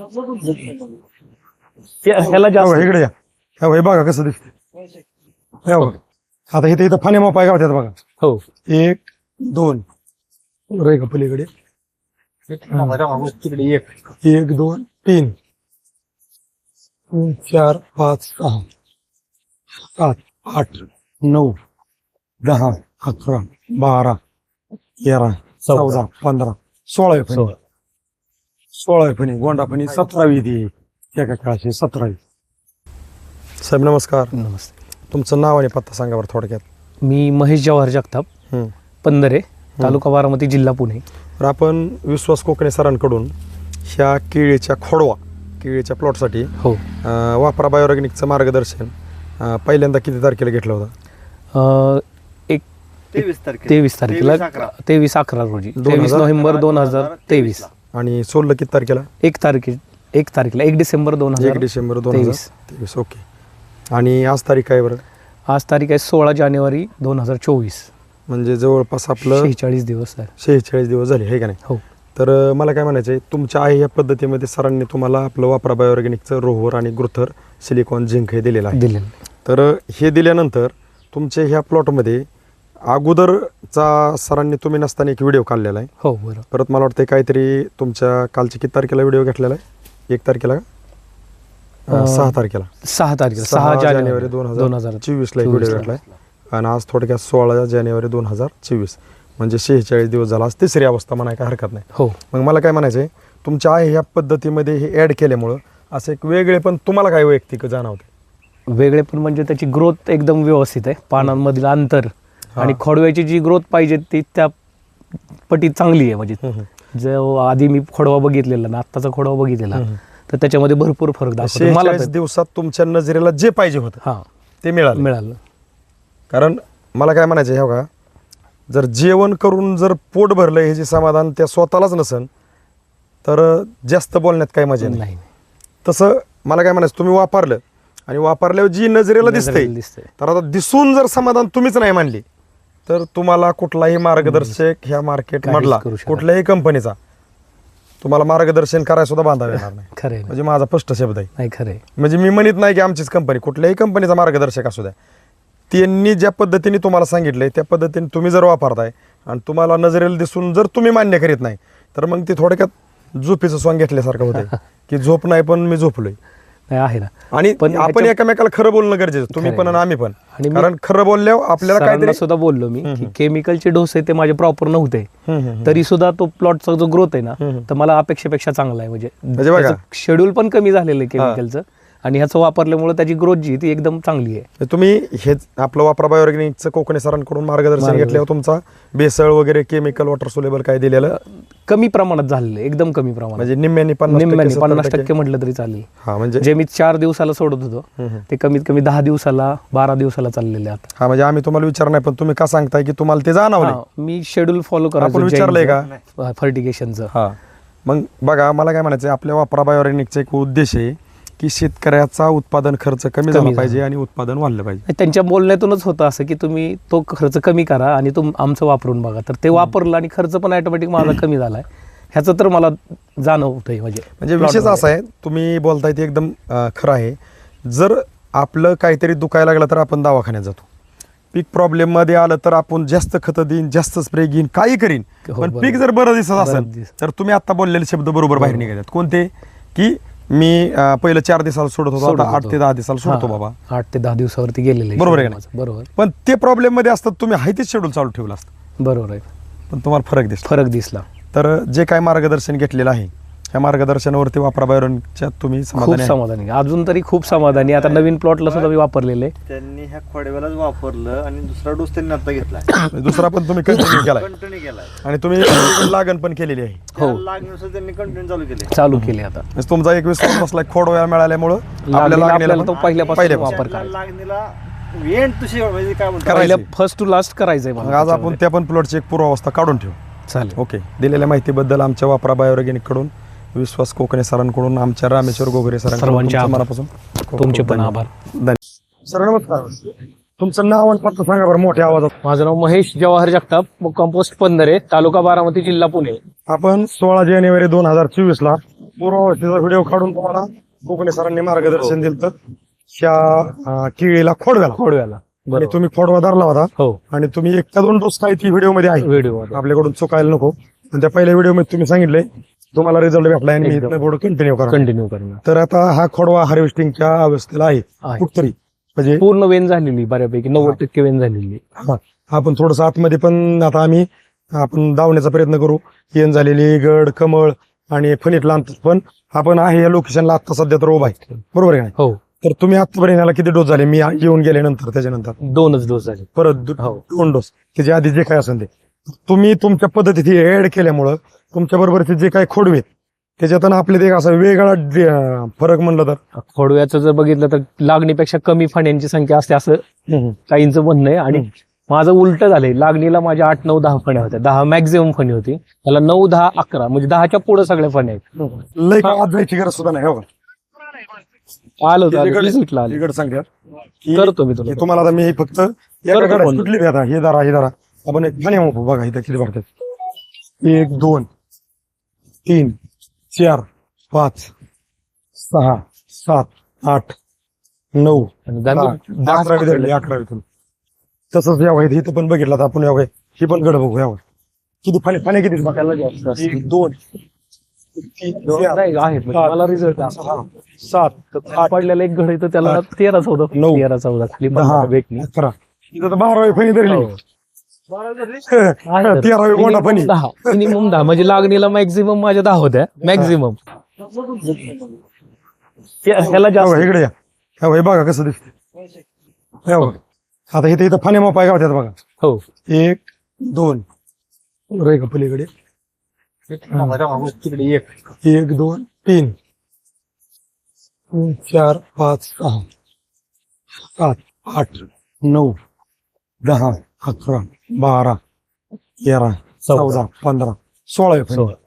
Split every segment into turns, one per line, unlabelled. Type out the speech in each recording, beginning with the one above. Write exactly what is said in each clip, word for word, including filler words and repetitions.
ह्याला जास्त
इकडे या. ह्या भाई बघा कसं दिसत. आता इथे इथं फाने मोपाय गावत्यात बघा.
हो
एक दोन रे का पलीकडे
तिकडे एक
एक दोन तीन तीन चार पाच सहा सात आठ नऊ दहा अकरा बारा तेरा चौदा पंधरा सोळा आहे फणी. सोळा आहे फणी गोंडा फणी सतरावी ती एका काळाची सतरावी. साहेब नमस्कार.
नमस्ते.
तुमचं नाव आणि पत्ता सांगा बरं थोडक्यात.
मी महेश जवाहर जगताप,
हम्म.
पंधरे, तालुका बारामती, जिल्हा पुणे.
तर आपण विश्वास कोकणे सरांकडून ह्या केळीच्या खोडवा केळीच्या प्लॉटसाठी
हो
अं, वापरा बायोऑर्गॅनिकचं मार्गदर्शन अं, पहिल्यांदा किती तारखेला घेतलं होतं?
अं, एक
तेवीस तारखेला
तेवीस तारखेला तेवीस अकरा रोजी तेवीस नोव्हेंबर दोन हजार तेवीस.
आणि सोडलं किती तारखेला?
एक तारखे एक तारखेला एक डिसेंबर दोन
एक
हजार
डिसेंबर दोन हजार
तेवीस.
तेवीस. ओके. आणि आज तारीख काय बरं?
आज तारीख आहे सोळा जानेवारी दोन हजार चोवीस.
म्हणजे जवळपास आपलं
शेहेचाळीस दिवस आहे.
शेहेचाळीस दिवस झाले हे का नाही?
हो.
तर अं, मला काय म्हणायचं आहे, तुमच्या आहे या पद्धतीमध्ये सरांनी तुम्हाला आपलं वापरा बायोऑर्गॅनिकचं रोहर आणि ग्रुथर सिलिकॉन झिंक हे दिलेलं आहे.
दिलेलं.
तर अं, हे दिल्यानंतर तुमच्या ह्या प्लॉटमध्ये अगोदरचा सरांनी तुम्ही नसताना एक व्हिडिओ काढलेला आहे.
हो बरोबर.
परत मला वाटतं काहीतरी तुमच्या कालच्या किती तारखेला व्हिडिओ घेतलेला आहे? एक तारखेला का? अं,
अं,
सहा तारखेला
सहा तारखेला
सहा
सहा
जानेवारी
जानेवारी
दोन
दोन
हजार
हजार
चोवीसला एक
चोवीसला.
व्हिडिओ घेतलाय. आणि आज थोडक्यात सोळा जानेवारी दोन हजार चोवीस म्हणजे शेहेचाळीस दिवस झाला. आज तिसरी अवस्था म्हणाय काय हरकत नाही.
हो.
मग मला काय म्हणायचं आहे, तुमच्या आहे ह्या पद्धतीमध्ये हे ॲड केल्यामुळं असं एक वेगळे पण तुम्हाला काय वैयक्तिक जाणवते?
वेगळे पण म्हणजे त्याची ग्रोथ एकदम व्यवस्थित आहे. पानांमधील अंतर आणि खोडव्याची जी ग्रोथ पाहिजे ती त्या पटीत चांगली आहे. म्हणजे जो आधी मी खोडवा बघितलेला ना आत्ताचा खोडवा बघितलेला तर त्याच्यामध्ये भरपूर फरक दाखवतो मला.
शेहेचाळीस दिवसात तुमच्या नजरेला जे पाहिजे होतं
हा
ते मिळालं
मिळालं.
कारण मला काय म्हणायचं आहे, का जर जेवण करून जर पोट भरलं हे जे समाधान त्या स्वतःलाच नसन तर जास्त बोलण्यात काही मजा नाही.
नाही
तसं मला काय म्हणायचं, तुम्ही वापरलं आणि वापरल्यावर जी नजरेला दिसते
दिसतंय.
तर आता दिसून जर समाधान तुम्हीच नाही मानली तर तुम्हाला कुठलाही मार्गदर्शक ह्या मार्केट
काहीच
मधला
करू शकत
कुठल्याही कंपनीचा तुम्हाला मार्गदर्शन करायला सुद्धा बांधावं येणार नाही.
खरंय
म्हणजे माझा स्पष्ट शब्द आहे.
नाही खरंय.
म्हणजे मी म्हणत नाही की आमचीच कंपनी, कुठल्याही कंपनीचा मार्गदर्शक असू द्या, त्यांनी ज्या पद्धतीने तुम्हाला सांगितलंय त्या पद्धतीने तुम्ही जर वापरताय आणि तुम्हाला नजरेला दिसून जर तुम्ही मान्य करीत नाही तर मग ते थोडक्यात झोपेचं स्वांग घेतल्यासारखं होतं की झोप नाही पण मी झोपलोय.
नाही आहे ना.
आणि
पण
आपण
ह्याच्या-
एकमेकाला खरं बोलणं गरजेचं, तुम्ही पण आणि आम्ही पण.
आणि मी
कारण खरं बोलल्यावर आपल्याला
सरांना
काहीतरी
सुद्धा बोललो मी की केमिकलचे डोस आहे ते माझे प्रॉपर नव्हते तरी सुद्धा तो प्लॉटचा जो ग्रोथ आहे ना तर मला अपेक्षेपेक्षा चांगला आहे.
म्हणजे
म्हणजे
बघा.
शेड्यूल पण कमी झालेलं आहे केमिकलचं आणि ह्याचं वापरल्यामुळे त्याची ग्रोथ जी ती एकदम चांगली आहे.
तुम्ही हे आपलं वापरा बायोऑर्गॅनिकचं कोकणे सरांकडून मार्गदर्शन घेतल्यावर तुमचा बेसळ वगैरे केमिकल वॉटर सोलेबल काय दिलेलं
कमी प्रमाणात झालेलं आहे, एकदम कमी प्रमाणात.
म्हणजे निम्म्यानी पन्नास
निम्म्याने
टक्के,
पन्नास
सत्तर
टक्के म्हटलं तरी चालेल.
हा म्हणजे
जे मी चार दिवसाला सोडत होतो ते कमीत कमी दहा दिवसाला बारा दिवसाला चाललेले आता.
हा म्हणजे आम्ही तुम्हाला विचार नाही पण तुम्ही का सांगताय की तुम्हाला ते जाणवलं.
हा, मी शेड्यूल फॉलो
आपण
करायचो
विचारलंय का?
फर्टिगेशनचं.
हा मग बघा मला काय म्हणायचं, आपल्या वापरा बायोऑर्गॅनिकचा एक उद्देश आहे की शेतकऱ्याचा उत्पादन खर्च कमी झाला
झाला.
पाहिजे आणि उत्पादन वाढलं पाहिजे.
त्यांच्या बोलण्यातूनच होतं असं की तुम्ही तो खर्च कमी करा आणि तुम आमचं वापरून बघा. तर ते वापरलं आणि खर्च पण ऑटोमॅटिक माझा कमी झालाय ह्याचं तर मला जाणवतंय. म्हणजे
म्हणजे विशेष असा आहे, तुम्ही बोलताय ते एकदम अं, खरं आहे. जर आपलं काहीतरी दुखायला लागलं तर आपण दवाखान्यात जातो, पीक प्रॉब्लेम मध्ये आलं तर आपण जास्त खतं देईन जास्त स्प्रे घेईन काही करीन,
हो,
पण
बरोबर.
पीक जर बरं दिसत
बरं
असेल
दिसत.
तर तुम्ही आता बोललेले शब्द बरोबर बाहेर निघतात. कोणते? की मी अं, पहिलं चार दिवसाला सोडत होतो,
सोडत
आता आठ
होतो.
ते दहा दिवसाला सोडतो
हा,
बाबा.
आठ ते दहा दिवसावरती गेलेले
बरोबर आहे का नाही?
बरोबर
पण ते प्रॉब्लेम मध्ये असतात तुम्ही हायतीच शेड्यूल चालू ठेवलं असतं
बरोबर आहे.
पण तुम्हाला फरक दिसतो.
फरक दिसला.
तर जे काय मार्गदर्शन घेतलेलं आहे ह्या मार्गदर्शनावरती वापरा बायोऑर्गॅनिकच्या तुम्ही
खूप
समाधानी आहे?
समाधानी अजून तरी खूप समाधानी. आता नवीन प्लॉटला सुद्धा मी वापरलेले.
त्यांनी ह्या खोडव्यालाच वापरलं आणि दुसरा डोस त्यांनी आता घेतलाय,
म्हणजे दुसरा पण तुम्ही कंटिन्यू केलाय
कंटिन्यू केलाय.
आणि तुम्ही लागण पण केलेली आहे.
हो.
त्या लागणीनुसार त्यांनी कंटिन्यू चालू केले.
चालू केले आता.
म्हणजे तुमचा एक विश्वास बसला खोड वेळा मिळाल्यामुळं आपल्या
लागणीला
लागणीला
आपल्याला तो
पण
पहिल्यापासून
पहिल्यापासून.
वापर
त्यांना
करायचा.
लागणीला एंड तुझी म्हणजे काय म्हणतात
करायचं.
पहिल्या फर्स्ट टू लास्ट करायचंय
मग
मला
आज आपण
त्याच्यामध्ये.
त्या पण प्लॉटची एक पूर्वावस्था काढून ठेवू.
चालेल.
ओके. दिलेल्या माहितीबद्दल आमच्या वापरा बायोऑर्गॅनिक कडून विश्वास कोकणे सरांकडून आमच्या रामेश्वर गोगरे सरांकडून
सर्वांचे
तुमचं
आभार.
मनापासून खूप खूप
तुमचे पण
धन्यवाद.
आभार.
धन्यवाद. सर नमस्कार. तुमचं नाव आणि पत्ता सांगा बरं मोठ्या आवाजात.
माझं नाव महेश जवाहर जगताप, कंपोस्ट पंधरे, तालुका बारामती, जिल्हा पुणे.
आपण सोळा जानेवारी दोन हजार चोवीस ला पूर्वावस्थेचा व्हिडिओ काढून तुम्हाला कोकणे सरांनी मार्गदर्शन दिलं तर त्या अं, केळीला खोडव्याला
खोडव्याला
आणि
बरोबर.
तुम्ही खोडवा धरला होता
हो
आणि तुम्ही एक का दोन डोस काय ती व्हिडिओ मध्ये आहे
व्हिडिओ
आपल्याकडून चुकायला नको आणि त्या पहिल्या व्हिडिओ मध्ये तुम्ही सांगितले तुम्हाला रिझल्ट भेटला आणि मी
एकदम.
इथनं पुढे कंटिन्यू करा
कंटिन्यू करणार
तर आता हा खोडवा हार्वेस्टिंगच्या अवस्थेला आहे
आहे.
कुठतरी म्हणजे
पूर्ण वेन झालेली बऱ्यापैकी नव्वद टक्के वेन झालेली.
हा, आपण थोडस आतमध्ये पण आता आम्ही आपण दावण्याचा प्रयत्न करू येण झालेली गड कमळ आणि फणीत लांब पण आपण आहे या लोकेशनला आता सध्या तर उभा आहे बरोबर आहे का नाही?
हो
तर तुम्ही आतापर्यंत याला किती डोस झाले मी येऊन गेल्यानंतर त्याच्यानंतर
दोनच डोस झाले.
परत दो-
हो.
दोन डोस त्याच्या आधी जे काय असेल ते तुम्ही तुमच्या पद्धतीत ऍड केल्यामुळं तुमच्या बरोबरचे जे काही खोडवे आहेत, त्याच्यातून आपले ते असा वेगळा डे- अं, फरक म्हणलं तर
खोडव्याचं जर बघितलं तर लागणीपेक्षा कमी फण्यांची संख्या असते असं काहींचं म्हणणं आहे आणि
हम्म.
माझं उलट झालंय. लागणीला माझ्या आठ नऊ दहा फण्या होत्या, दहा मॅक्झिमम फणी होती, त्याला नऊ दहा अकरा म्हणजे दहाच्या पुढे सगळ्या फण्या आहेत.
लय का आत जायची गरज सुद्धा नाही हो का?
आलो
हे जे गड-
रिझल्टला आलो.
हे गड सांगतात की
करतो मी तुला
हे तुम्हाला आता मी फक्त एका
करतो
गडात
फोन.
कुठली बी आता हे दारा हे दारा आपण एक फण्या मोपू बघा इथं किती भरतात एक दोन तीन चार पाच सहा सात आठ नऊ
आणि
दहा,
दहा- दहा
अकरावी धरली अकरावीतून तसंच यावं इथं पण बघितलं तर आपण यावं ही पण गड बघू यावं किती फाने फाने किती
त्याला जास्त असते.
एक दोन तीन चार
नाही, आहेत म्हणजे मला रिझल्ट
सहा सात आठ
पडलेला एक घड आहे तर त्याला तेरा चौदा
नऊ,
तेरा चौदा खाली
दहा
पंधरा भेटली.
अकरा इथं तर बारावी फणी धरली
हो.
तेरावी गोंडा फणी
मिनिमम दहा मिनिमम दहा म्हणजे लागणीला मॅक्झिमम माझ्या दहा होत्या मॅक्झिमम. ह्याला
हो,
जास्त
इकडे या हो, हे बघा कसं दिसत आता इथे इथं फाने मोपाय गावत्यात बघा
हो
एक दोन रे का पलीकडे तिकडे एक एक दोन तीन तीन, चार पाच सहा सात आठ नऊ दहा अकरा बारा तेरा चौदा पंधरा सोळावी फणी
सोळा.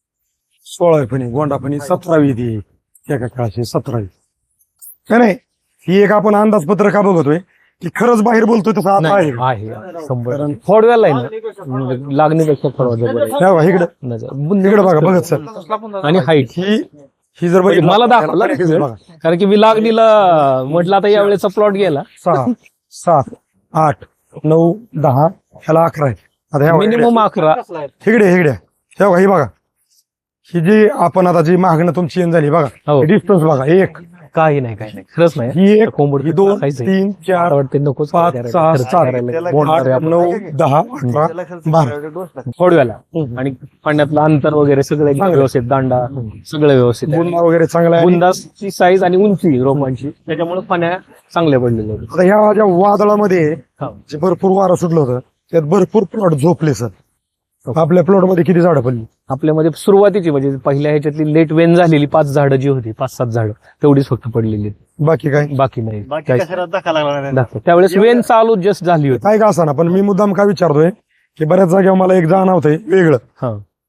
सोळावी फणी गोंडा फणी सतरावी ती एका काळाची सतरावी काय नाही ही एक आपण अंदाजपत्र का बघतोय की खरंच बाहेर बोलतोय तसं आता आहे
नाही, आहे शंभर खोडव्याला आहे ना म्हणजे लागणीपेक्षा खोडवा जबर आहे.
हे बघा, इकडं
नजर-
इकडे बघा बघत सर
आणि हाईट
ही ही जर बघितलं-
मला दाखवला
हे
result.
बघा
कारण की मी लागणीला म्हटलं आता यावेळेचा प्लॉट गेला
सहा सात आठ नऊ दहा ह्याला अकरा आहे आता ह्या बघा,
मिनिमम अकरा
इकडे इकडे हे बघा ही बघा ही जी आपण आता जी मागणं तुमची येण झाली बघा
हो
डिस्टन्स बघा एक
काही नाही काही नाही खरंच नाही
ही एक
कोंबड
ही दोन
खायचंय.
तीन चार
मला वाटते नकोच
पाच,
करायला,
सहा,
खर्च
सात,
करायला.
आठ नऊ दहा अकरा बारा
खोडव्याला
हम्म.
आणि पाण्यातलं अंतर वगैरे सगळं एकदम व्यवस्थित दांडा सगळं व्यवस्थित आहे.
बुंदा वगैरे चांगला आहे
बुंदाची साईज आणि उंची रोपांची त्याच्यामुळे पाण्या चांगल्या पडलेल्या होत्या.
आता ह्या ज्या वादळामध्ये
हा.
जे भरपूर वारं सुटलं होतं त्यात भरपूर प्लॉट झोपले सर आपल्या प्लॉट मध्ये किती झाडं पडली
आपल्यामध्ये सुरुवातीची म्हणजे पहिल्या ह्याच्यातली लेट वेन झालेली पाच झाडं जी होती पाच सात झाडं तेवढीच फक्त पडलेली आहेत.
बाकी काय
बाकी नाही
बाकी
काहीच
कशाला धक्का लागला नाही.
दाखव. त्यावेळेस वेन चालू जस्ट झाली होती.
काय का असा ना पण मी मुद्दाम काय विचारतोय की बऱ्याच जागेवर मला एक जाणवतंय वेगळं
हा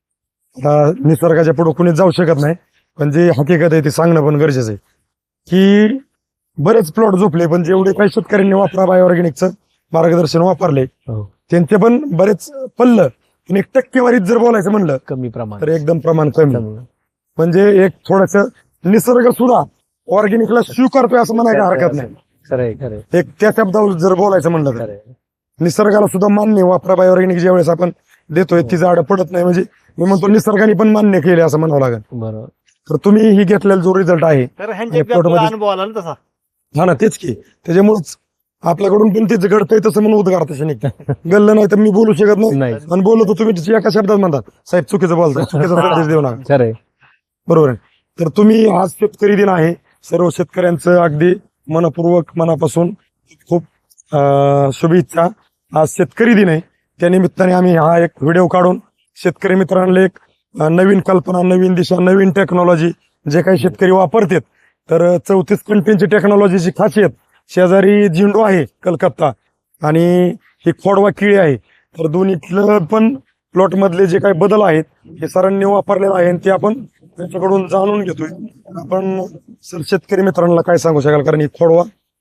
आता निसर्गाच्या पुढे कुणीच जाऊ शकत नाही पण जे हकीकत आहे ते सांगणं पण गरजेचं आहे की बरेच प्लॉट झोपले पण जेवढे काही शेतकऱ्यांनी वापरा बायोऑर्गॅनिकचं मार्गदर्शन वापरले
हो.
त्यांचे पण बरेच पडलं पण एक टक्केवारीत जर बोलायचं म्हणलं
कमी प्रमाण
तर एकदम प्रमाण कमी म्हणजे एक थोडस निसर्ग सुद्धा ऑर्गॅनिकला स्वीकारतोय असं म्हणायला हरकत नाही
खरंय खरंय
एक त्या शब्दावर जर बोलायचं म्हणलं तर
खरंय
निसर्गाला सुद्धा मान्य वापरा बायोऑर्गॅनिक ज्या वेळेस आपण देतोय ती झाडं पडत नाही म्हणजे मी म्हणतो निसर्गाने पण मान्य केले असं म्हणावं लागेल
बरोबर.
तर तुम्ही ही घेतलेला जो रिझल्ट आहे
तर
हे
ह्यांच्या
पोटमध्ये-
अनुभव आला ना तसा
हा ना तेच की त्याच्यामुळेच आपल्याकडून पण तेच घडतंय तसं म्हणून उद्गार तसे निघतं गल्लं नाही तर मी बोलू शकत नाही
नाही
आणि बोलतो तुम्ही एका शब्दात म्हणतात साहेब चुकीचं बोलताय चुकीचा संदेश देऊ नका
खरंय
बरोबर आहे तर तुम्ही आज शेतकरी दिन आहे सर्व शेतकऱ्यांचं अगदी मनपूर्वक मनापासून खूप अं, शुभेच्छा आज शेतकरी दिन आहे त्या निमित्ताने आम्ही हा एक व्हिडिओ काढून शेतकरी मित्रांना एक अं, नवीन कल्पना नवीन दिशा नवीन टेक्नॉलॉजी जे काही शेतकरी वापरतात तर चौतीस कंटेनची टेक्नॉलॉजीची खासियत शेजारी झिंडू आहे कलकत्ता आणि ही खोडवा किळी आहे तर दोन्हीतलं पण प्लॉट मधले जे काही बदल आहेत हे सरांनी वापरलेलं आहे आणि ते आपण त्यांच्याकडून जाणून घेतोय आपण सर शेतकरी मित्रांना काय सांगू शकाल कारण ही खोडवा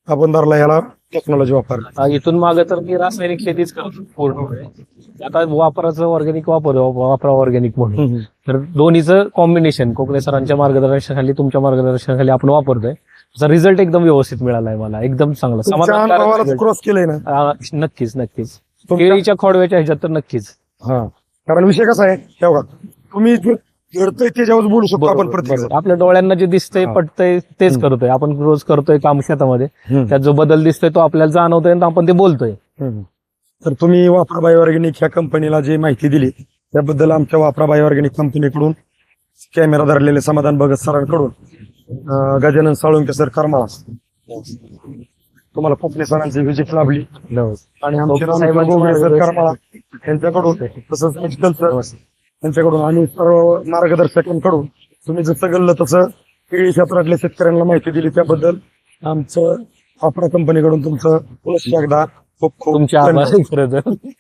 आपण धरला ह्याला टेक्नॉलॉजी वापरली.
आ, इथून मागे तर मी रासायनिक शेतीच करतो पूर्ण. आता वापराचं ऑर्गॅनिक वापर वापरा ऑर्गॅनिक म्हणून. तर दोन्हीचं कॉम्बिनेशन कोकणे सरांच्या मार्गदर्शनाखाली तुमच्या मार्गदर्शनाखाली आपण वापरतोय. त्याचा रिझल्ट एकदम व्यवस्थित मिळालाय मला, एकदम चांगला
तुमच्या
समाधानकारक
अनुभवाला
result.
क्रॉस केलंय ना
आ, नक्कीच नक्कीच
तुमच्या-
केळीच्या खोडव्याच्या ह्याच्यात तर नक्कीच.
हा, कारण विषय कसा आहे हे बघा, तुम्ही जे घडतंय त्याच्यावर बोलू शकतो आपण
बरोबर,
प्रत्येक
बरोबर. आपल्या डोळ्यांना जे दिसतंय
हा.
पटतंय तेच
हम्म.
करतोय आपण. रोज करतोय काम शेतामध्ये,
जण.
त्यात जो बदल दिसतोय तो आपल्याला जाणवतोय आणि आपण ते बोलतोय.
हम्म. तर तुम्ही वापरा बाय ऑर्गॅनिक ह्या कंपनीला जी माहिती दिली त्याबद्दल आमच्या वापरा बाय ऑर्गॅनिक कंपनीकडून कॅमेरा धरलेले समाधान भगत सरांकडून अं, गजानन साळुंके सर करमाळा तुम्हाला कोकणे सरांची व्हिजिट लाभली आणि आमचे
कोकणे
रामचंद्र
साहेबांचं
गोगरे सर
मार्गदर्शन.
करमाळा यांच्याकडून तसंच मेडिकल सर त्यांच्याकडून आणि सर्व मार्गदर्शकांकडून तुम्ही जसं गल्लं तसं केळी क्षेत्रातल्या शेतकऱ्यांना माहिती दिली त्याबद्दल आमचं वापरा कंपनीकडून तुमचं पुनश्च एकदा खूप खूप
तुमच्या
धन्यवाद.
आभार खरं तर.